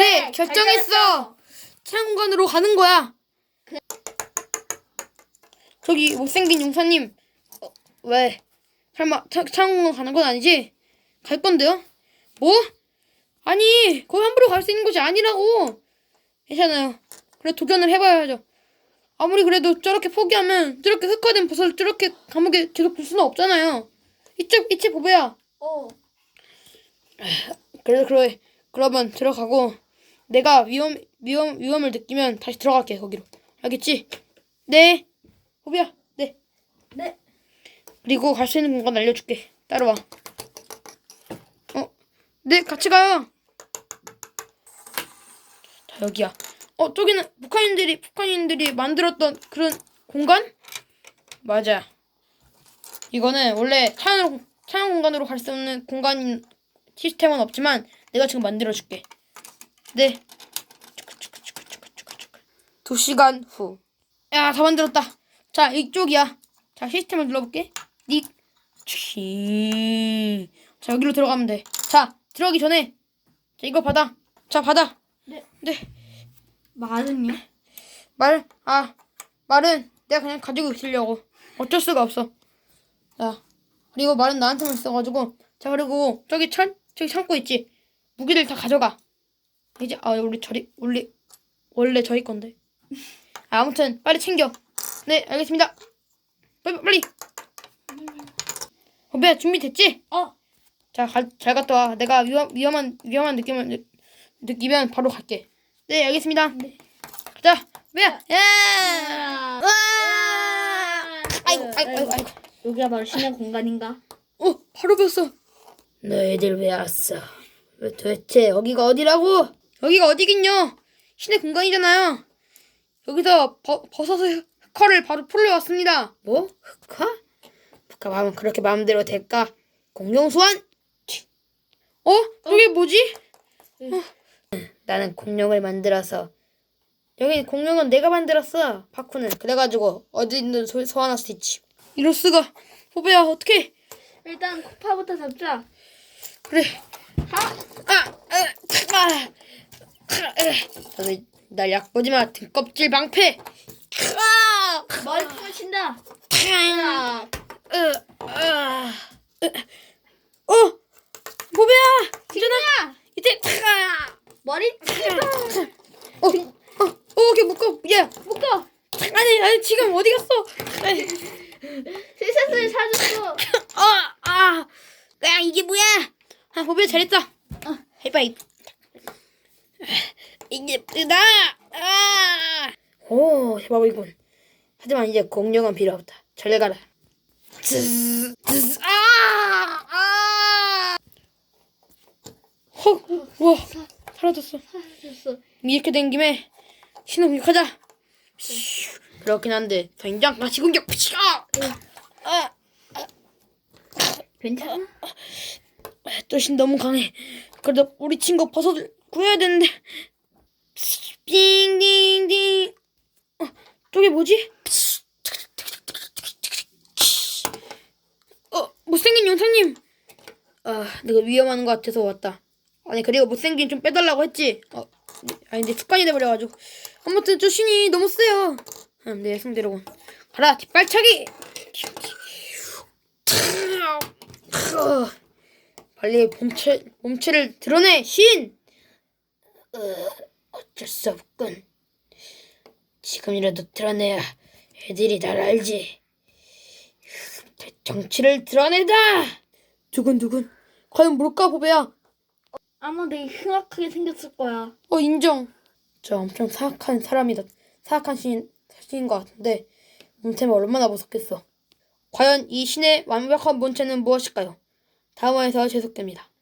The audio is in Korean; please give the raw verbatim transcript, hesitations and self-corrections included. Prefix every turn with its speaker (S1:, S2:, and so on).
S1: 그래, 결정했어. 차양공간으로 가는 거야.
S2: 그-
S1: 저기 못생긴 용사님, 어, 왜? 설마 차, 차양공간 가는 건 아니지? 갈 건데요? 뭐? 아니, 거기 함부로 갈 수 있는 곳이 아니라고. 괜찮아요. 그래 도전을 해봐야죠. 아무리 그래도 저렇게 포기하면 저렇게 흑화된 버섯을 저렇게 감옥에 계속 둘 수는 없잖아요. 이쪽 이치 보배야.
S2: 어.
S1: 그래서 그래 그러면 들어가고 내가 위험 위험 위험을 느끼면 다시 들어갈게 거기로. 알겠지? 네. 보배야. 네.
S2: 네.
S1: 그리고 갈 수 있는 공간 알려줄게. 따라와. 어, 네 같이 가요. 자 여기야. 어 저기는 북한인들이 북한인들이 만들었던 그런 공간? 맞아. 이거는 원래 차양 차양 공간으로 갈 수 없는 공간 시스템은 없지만 내가 지금 만들어줄게. 네. 두 시간 후. 야, 다 만들었다. 자, 이쪽이야. 자, 시스템을 눌러볼게. 닉. 치. 자, 여기로 들어가면 돼. 자, 들어가기 전에. 자, 이거 받아. 자, 받아.
S2: 네.
S1: 네.
S2: 말은요?
S1: 말, 아, 말은 내가 그냥 가지고 있으려고. 어쩔 수가 없어. 자, 그리고 말은 나한테만 있어가지고. 자, 그리고 저기 철, 저기 창고 있지? 무기들 다 가져가. 이제, 아, 우리 저리, 원래, 원래 저희 건데. 아, 아무튼, 빨리 챙겨. 네, 알겠습니다. 빨리, 빨리. 호배야, 준비됐지?
S2: 어.
S1: 자, 가, 잘 갔다 와. 내가 위험, 위험한, 위험한 느낌을 느, 느끼면 바로 갈게. 네, 알겠습니다.
S2: 네.
S1: 자, 호배야, 야!
S2: 아.
S1: 와! 아이고, 아이고, 아이고, 아이고.
S2: 여기가 바로 신의 공간인가?
S1: 어, 바로 뵀어. 너희들 왜 왔어? 왜 도대체 여기가 어디라고? 여기가 어디긴요? 신의 공간이잖아요. 여기서 버, 버섯의 흑화를 바로 풀러 왔습니다. 뭐? 흑화? 흑화 하면 그렇게 마음대로 될까? 공룡 소환? 어? 저게 뭐지? 어. 나는 공룡을 만들어서 여기 공룡은 내가 만들었어. 파쿠는 그래가지고 어디든 소, 소환할 수 있지. 이럴 수가. 호배야 어떡해?
S2: 일단 코파부터 잡자.
S1: 그래. 아, 아, 아, 아, 너희 날 약보지 마. 등껍질 방패. 아,
S2: 머리 부신다.
S1: 아, 으, 아, 으. 어, 보배야. 일어나. 이제 아,
S2: 머리 부신다.
S1: 어, 어, 어, 걔 묶어. 야,
S2: 묶어.
S1: 아니, 아니 지금 어디 갔어? 아니,
S2: 세상을 사줬어.
S1: 아, 아, 야 이게 뭐야? 아, 보배야 잘했다.
S2: 어.
S1: 하이파이브. 이게 나. 아, 오, 해봐보이군. 하지만 이제 공룡은 필요 없다. 잘 가라. 즈즈, 즈즈, 아, 아. 헉, 와, 사라졌어.
S2: 사줬어.
S1: 이렇게 된 김에 신호 공격하자. 슈, 그렇긴 한데 당장 다시 공격. 아,
S2: 괜찮아?
S1: 또신 너무 강해. 그래도 우리 친구 버섯을 구해야 되는데. 띵띵띵. 어, 저게 뭐지? 어, 못생긴 용사님. 아, 내가 위험한 것 같아서 왔다. 아니 그리고 못생긴 좀 빼달라고 했지. 어, 아니 근데 습관이 돼버려가지고. 아무튼 저 신이 너무 세요. 음, 내 예상대로군. 가라 뒷발차기. 어, 빨리 몸체 몸체를 드러내 신. 어, 어쩔 수 없군. 지금이라도 드러내야 애들이 날 알지. 정치를 드러내다. 두근두근. 과연 뭘까 보배야.
S2: 아마 되게 흉악하게 생겼을 거야.
S1: 어 인정. 저 엄청 사악한 사람이다. 사악한 신인 신인 것 같은데 몸체는 얼마나 무섭겠어. 과연 이 신의 완벽한 본체는 무엇일까요? 다음화에서 계속됩니다.